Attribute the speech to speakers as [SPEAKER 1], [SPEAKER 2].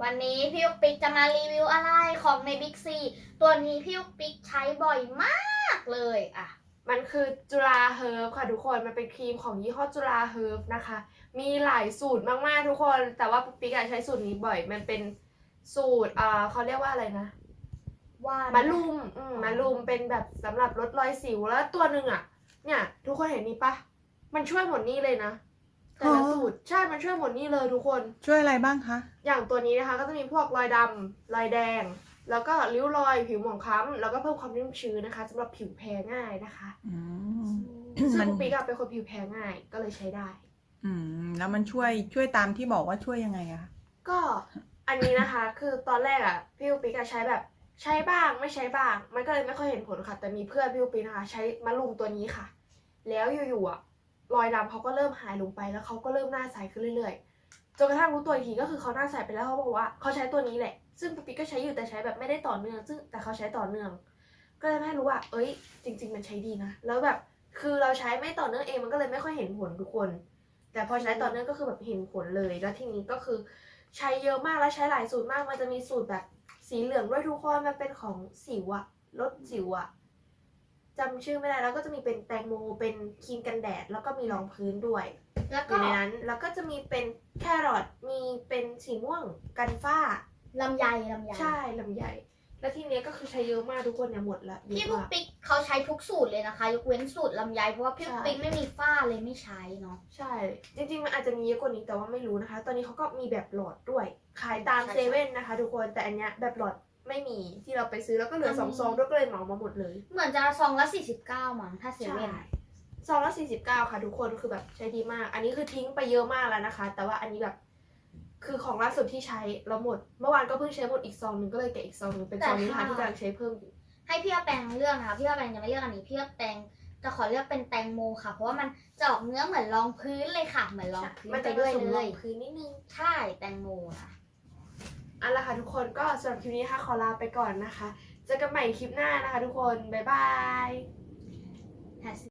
[SPEAKER 1] วันนี้พี่ยุกปิ๊กจะมารีวิวอะไรของในบิ๊กซีตัวนี้พี่ยุกปิ๊กใช้บ่อยมากเลยอ่ะ
[SPEAKER 2] มันคือจุฬาเฮิร์บค่ะทุกคนมันเป็นครีมของยี่ห้อจุฬาเฮิร์บนะคะมีหลายสูตรมากๆทุกคนแต่ว่าปุ๊กปิ๊กใช้สูตรนี้บ่อยมันเป็นสูตรเขาเรียกว่าอะไรนะมะลุมมะลุมเป็นแบบสำหรับลดรอยสิวแล้วตัวหนึ่งอ่ะเนี่ยทุกคนเห็นนี่ปะมันช่วยหมดนี่เลยนะแต่ละสูตรใช่มันช่วยหมดนี่เลยทุกคน
[SPEAKER 3] ช่วยอะไรบ้างคะ
[SPEAKER 2] อย่างตัวนี้นะคะก็จะมีพวกรอยดำรอยแดงแล้วก็ริ้วรอยผิวหมองคล้ำแล้วก็เพิ่มความชุ่มชื้นนะคะสำหรับผิวแพ้ง่ายนะคะซึ่งปุ๊กปิ๊กเป็นคนผิวแพ้ง่ายก็เลยใช้ได้
[SPEAKER 3] แล้วมันช่วยตามที่บอกว่าช่วยยังไงอะ
[SPEAKER 2] ก็อันนี้นะคะคือตอนแรกอะพี่ปุ๊กปิ๊กใช้แบบใช้บ้างไม่ใช้บ้างมันก็เลยไม่ค่อยเห็นผลค่ะแต่มีเพื่อนพี่ปุ๊กปิ๊กนะคะใช้มะลุมตัวนี้ค่ะแล้วอยู่ๆอะรอยดำเขาก็เริ่มหายลงไปแล้วเขาก็เริ่มหน้าใสขึ้นเรื่อยๆจนกระทั่งรู้ตัวอีกทีก็คือเขาหน้าใสไปแล้วเขาบอกว่าเขาใช้ตัวนี้แหละซึ่งปุ๊กปิ๊กก็ใช้อยู่แต่ใช้แบบไม่ได้ต่อเนื่องซึ่งแต่เขาใช้ต่อเนื่องก็เลยไม่รู้ว่าเอ้ยจริงๆมันใช้ดีนะแล้วแบบคือเราใช้ไม่ต่อเนื่องเองมันก็เลยไม่ค่อยเห็นผลทุกคนแต่พอใช้ต่อเนื่องก็คือแบบเห็นผลเลยแล้วทีนี้ก็คือใช้เยอะมากแล้วใช้หลายสูตรมากมันจะมีสูตรแบบสีเหลืองด้วยทุกคนมันเป็นของสิวอะลดสิวอะจำชื่อไม่ได้แล้วก็จะมีเป็นแตงโมเป็นครีมกันแดดแล้วก็มีรองพื้นด้วย
[SPEAKER 1] แล้วก็
[SPEAKER 2] อยู่ในนั้นแล้วก็จะมีเป็นแครอทมีเป็นสีม่วงกันฝ้า
[SPEAKER 1] ลำไย
[SPEAKER 2] ใช่ลำไยแล้วทีนี้ก็คือใช้เยอะมากทุกคนเนี่ยหมดละ
[SPEAKER 1] พี่ปุ๊กปิ๊กเขาใช้ทุกสูตรเลยนะคะยกเว้นสูตรลำไยเพราะว่าพี่ปุ๊กปิ๊กไม่มีฝ้าเลยไม่ใช้เนาะ
[SPEAKER 2] ใช่จริงๆมันอาจจะมีเยอะกว่านี้แต่ว่าไม่รู้นะคะตอนนี้เขาก็มีแบบหลอดด้วยขายตามเซเว่นนะคะทุกคนแต่อันเนี้ยแบบหลอดไม่มีที่เราไปซื้อแล้วก็เหลือ2 ซองด้วยก็เลยเหมามาหมดเลย
[SPEAKER 1] เหมือนจะซองละ49มั้งถ้าเซเว่น
[SPEAKER 2] ซองละ49ค่ะทุกคนคือแบบใช้ดีมากอันนี้คือทิ้งไปเยอะมากแล้วนะคะแต่ว่าอันนี้แบบคือของล่าสุดที่ใช้แล้วหมดเมื่อวานก็เพิ่งใช้หมดอีกซองนึงก็เลยแกะอีกซองนึงเป็นซองนี้ค่ะที่กำลังใช้เพิ่มอยู่
[SPEAKER 1] ให้พี่แปงเลือกนะคะพี่แปงจะไม่เลือกอันนี้พี่แปงจะขอเลือกเป็นแตงโมค่ะเพราะว่ามันจะออกเนื้อเหมือนรองพื้นเลยค่ะเหมือนรองพื้นไปด้วยเลย
[SPEAKER 2] พื้นนิดนึง
[SPEAKER 1] ใช่แตงโมค่ะ
[SPEAKER 2] เอาละค่ะทุกคนก็สำหรับคลิปนี้ค่ะขอลาไปก่อนนะคะเจอกันใหม่คลิปหน้านะคะทุกคนบ๊ายบาย